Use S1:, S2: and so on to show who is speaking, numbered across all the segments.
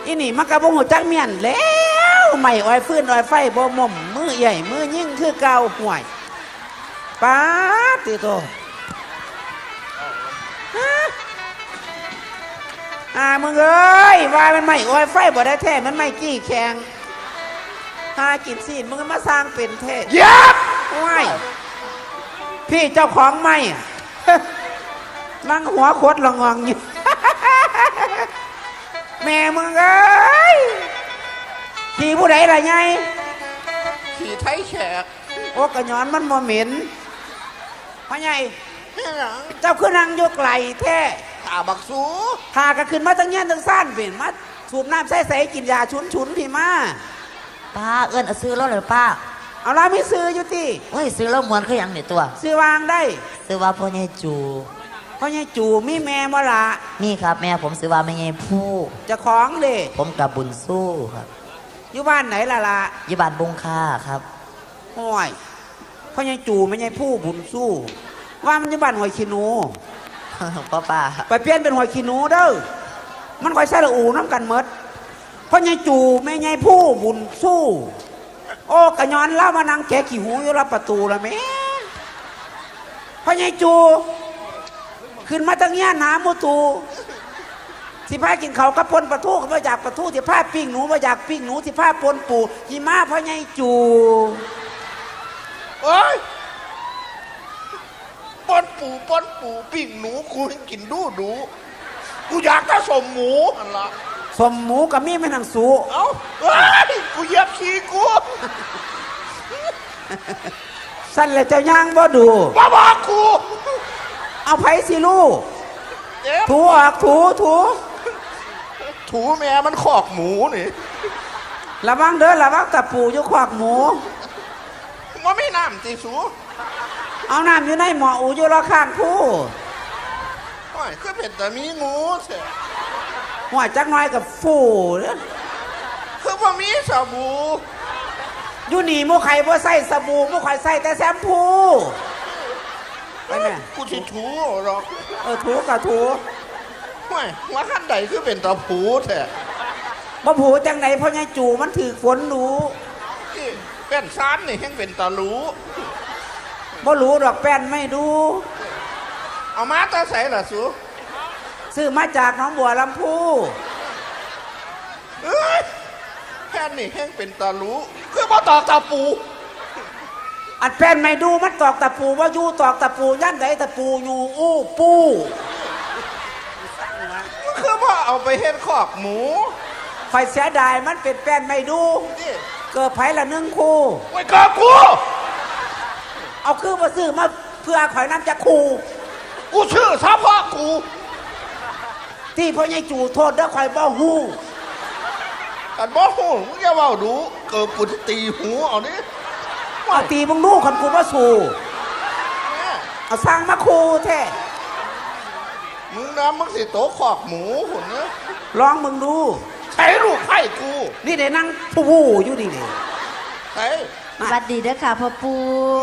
S1: อีนี่มันกระบงหัวจักเมียนแล้วไม่อ้อยฟื้นอ้อยไฟบ่ม่มมือใหญ่มือยิ่งคือเก่าห่วยป้าติโตมึงเอ้ยว่ามันไม่อ้อยไฟบ่ได้แท้มันไม่กี้แข็งหากินซีนมึงมาสร้างเป็นเทศยับว้ายพี่เจ้าของไม่นั่งหัวโคตรละงองอยู่แม่มึงเอ้ยขี่ผู้ใดล่ะไง
S2: ขี่ไทยแขก
S1: โอ้กระย้อนมันโมเหม็นพ่อใหญ่เจ้าคือนั่งยกไหลแท้
S2: ตาบักสู
S1: หาก็ขึ้นมาตั้งเงี้ยตั้งสั้นเป็นมาสูบน้ำใส่กินยาฉุนพี่มา
S3: ป้าเอิ้นเอาซื้อแล้วเหรอป้า
S1: เอาละไม่ซื้ออยู่ที่
S3: เฮ้ยซื้อแล้วเหมือนเขาอย่างนี่ตัว
S1: ซื้อวางได้
S3: ซื้อว่าพ่อใหญ่จู
S1: พ่อใหญ่จูมีแม่บ่ละ
S3: นี่ครับแม่ผมซื้อว่าแม่ใหญ่ผู้
S1: จะของเด้
S3: ผมกับบุญสู้ครับ
S1: อยู่บ้านไหนล่ะ
S3: อยู่บ้านบงค่าครับ
S1: ห้อยพ่อใหญ่จูแม่ใหญ่ผู้บุญสู้ว่ามันอยู่บ้านหอยขี้หนู
S3: ป้า
S1: ไปเปลี่ยนเป็นหอยขี้หนูเด้อมันคอยใส่ละอูน้ำกันเมดพ่อใหญ่จูแม่ใหญ่ผู้บุญสู้โอ้กระยอนเล่ามานั่งแกะขี้หูอยู่รับประตูละแม่พ่อใหญ่จูขึ้นมาตั้งเงี้ยหนามูตูสิพากินเขากระปนปลาทูก็มาจากปลาทูสิพาปิ้งหนูมาจากปิ้งหนูสิพาปนปูหิมะพ่อใหญ่จู
S2: โอ้ยปนปูปิ้งหนูกูกินดูกูอยากถ้าสมหมูอันละ
S1: สมหมูกับมีไม่นังสู
S2: เอ้ากูเหยียบขี้กู
S1: สั้นเลยเจ้าย่างบ่ดู
S2: บ้าบอกกู
S1: เอาไผ่สิลูกถูออกถู
S2: แม่มันขอกหมูนี่
S1: ระวังเด้อระวังตะปูอยู่ขอกหมู
S2: ว่าไม่น้ำตีสู
S1: เอาน้ำอยู่ในหม้ออูอยู่รอข้างผู้
S2: โอ้ยคือเป็นแต่มีงูเสีย
S1: หัวจักน้อยกับฟูเนี่ย
S2: คือว่ามีสบู่
S1: อยู่นี่มูไข่บ่ใส่สบู่มูไข่ใส่แต่แชมพูไปแม่
S2: กูที่ถูหรอก
S1: ถูกับถู
S2: ไม่ว่าขั้นใดคือเป็นตะผูแท้
S1: บ่ผูจังไหนเพราะไงจู่มันถือฝนหนู
S2: เป็นซานนี่แห่งเป็นตะรู้
S1: บ่รู้ดอกแป้นไม่ดู
S2: เอามาตาใส่ล่ะสู
S1: ซื้อมาจากน้องบัวลำพู
S2: แป้นนี่แห่งเป็นตะรู้คือมาตอกตะปู
S1: อัดแป้นไม่ดูมันตอกตะปูว่ายู่ตอกตะปูย่านไหนตะปูอยู่อู้ปู
S2: คือว่าเอาไปเฮ็ดขอกหมู
S1: คอยเสียดายมันเป็นแป้นไม่ดูเกิดไผ่ละ1 คู่
S2: ไว้กับกู
S1: เอาคือมาซื้อมาเพื่อข่อยน้ำจะคู่
S2: กูชื่อซะพ่อกู
S1: ที่พ่อใหญ่จู่โทษเด้อข่อยบ่ฮู้
S2: กันบ่ฮู้มึงอย่าเว้าดูเกิดกูตีหูเอานี่
S1: เอาตีมึงดูคันกูบ่สู้เอาสร้างมาคู่แท้
S2: มึงน้ำมึงสิโตขอกหมูหุ่นเนอะ
S1: ลองมึงดู
S2: ใช้ลูกไผ่กู
S1: นี่เดี๋ยวนั่งผู้อยู่ดิเนี่ย
S2: ใช่
S3: สวัสดีเด้อค่ะพ่อปู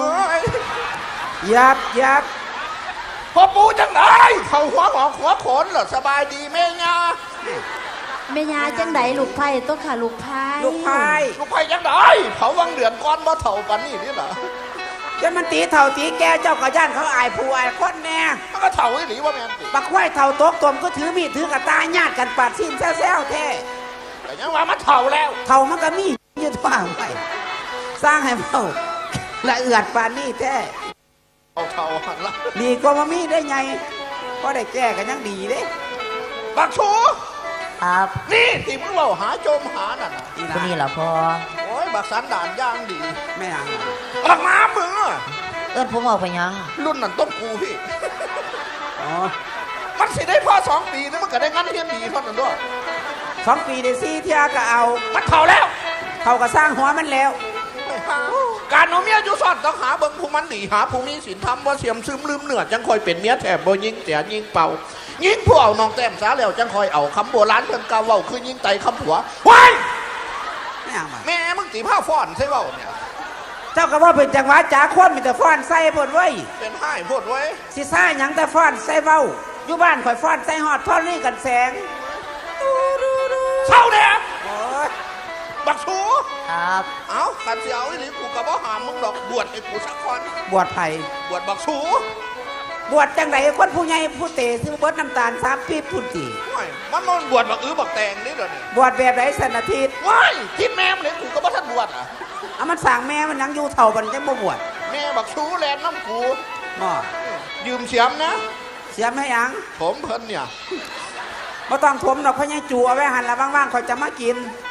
S1: ยับ
S2: พ่อปูจังไหนเขาหัวหงอกหัวขนเหรอสบายดีแม่ยา
S3: แม่ยาจังไหนลูกไผ่ต้องค่ะลูกไผ่
S2: จังไหนเขาวังเดือนก้อนมาเถ่าปันนี่เหรอ
S1: จะมันตีเถ่าตีแกเจ้ากระย่านเขาอายผู้อายคนแน่
S2: มันก็เถ่าไอ้หลีว่าแม่น
S1: ปักควายเถ่าตกตมก็ถือมีดถือกระตายญาติกันปาดสิ้นแซวแท้
S2: แต่ยังว่ามันเถ่าแล้ว
S1: เถ่ามันก็มียืดว่างไปสร้างให้เมาละเอือดปานนี่แท้
S2: เถ่าหันละ
S1: ดีกว่ามามีได้ไงก็ได้แก้กันยังดีเด้
S2: บักชู
S3: ครับ
S2: นี่ที่มึงเราหาโจมหาน่ะ
S3: คนนี้เหรอพ่อ
S2: โอ้ยบักสันด่านย่างดี
S1: ไม่ยัง
S2: บักน้ำมึง
S3: ผมเอาไปยัง
S2: รุ่นนั้นต้องกูพี่มันสิได้พ่อ2 ปีนี่มันก็ได้งั้นเทียนดีเท่านั้นด้วย
S1: 2 ปีได้4 เที่ยก็เอา
S2: มันเท่าแล้ว
S1: เท่ากับสร้างหัวมันแล้ว
S2: การเอาเมียอยู่ซ่อนต้องหาเบิ่งผู้มันดีหาผู้มีศีลธรรมว่าเสียมซึมลืมเนื้อจังคอยเป็นเมียแถบบ่ยิงเสียยิงเป่ายิงผู้เอาน้องแต้มสาแล้วจังคอยเอาคำโบราณเพิ่นกล่าวเว้าคือยิงไตคำผัวว้ายแม่มึงตีผ้าฟ้อนใช่เว้าเนี่ย
S1: เจ้าก็ว่าเป็นจังหวะจ๋าคนมีแต่ฟ้อนใส่พดไว้
S2: เป็นให้พดไว้
S1: สิซ่าหยังแต่ฟ้อนใส่เว้าอยู่บ้านข่อยฟ้อนใส่หอดท่อนนี่กันแสง
S2: เศร้าแดง
S3: ครับ
S2: เอาขันเสียวอีหลีกูก็บ่หามมึงดอกบวชให้กูสักคน
S1: บวชไผ่
S2: บวชบักสู
S1: บวชจังไดคนผู้ใหญ่ผู้เตะซื้อเบิดน้ำตาล3ปีพุ่นติ
S2: ว้ายมันบวชบักบักแตงนี่เดี๋ยวนี้
S1: บวชแบบไหนสันอาทิตย์
S2: ว้ายที่แม่มันเลยกูก็บ่ทันบวชอ่ะ
S1: เอามันสั่งแม่มันยังอยู่เท่าบันจังบ่บวช
S2: แม่บักสูแลนน้ำกู
S1: บ่
S2: ยืมเสียมนะ
S1: เสียไม่ยัง
S2: ผมเพิ่นเนี่ย
S1: บ่ต้องถมดอกเพราะยังจูเอาไว้หันละว่างๆเขาจะมากิน